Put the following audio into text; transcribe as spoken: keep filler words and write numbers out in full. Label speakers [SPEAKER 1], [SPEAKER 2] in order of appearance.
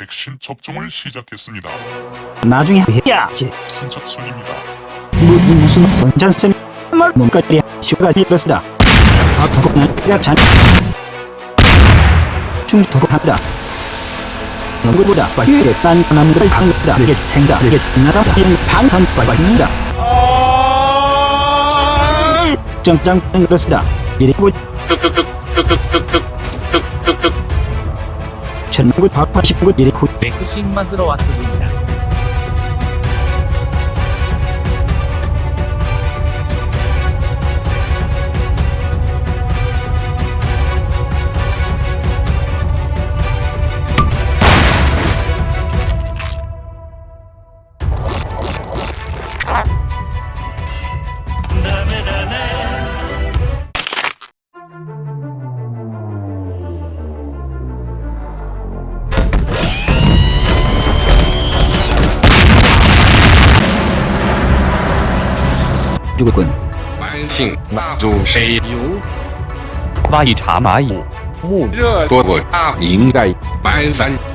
[SPEAKER 1] 백신 접종을 시작했습니다.
[SPEAKER 2] 나중에 해야지.
[SPEAKER 1] 선착순입니다.
[SPEAKER 2] 무슨 무슨 선전쌤 말 뭔가리 슈가 이렇습니다. 아프고는 내가 잔 중도한다. 누구보다 빨리 딴딴한 걸 강력다. 이게 생각을 나다 하는 방탄과 있는다. 정장 그렇습니다. 이리고 천구 백팔십구 이리고
[SPEAKER 3] 백신 맞으러 왔습니다.
[SPEAKER 2] 죽었군.
[SPEAKER 4] 慢性蜡烛谁有？
[SPEAKER 3] 蚂蚁查蚂蚁。
[SPEAKER 4] 热多我大明代满三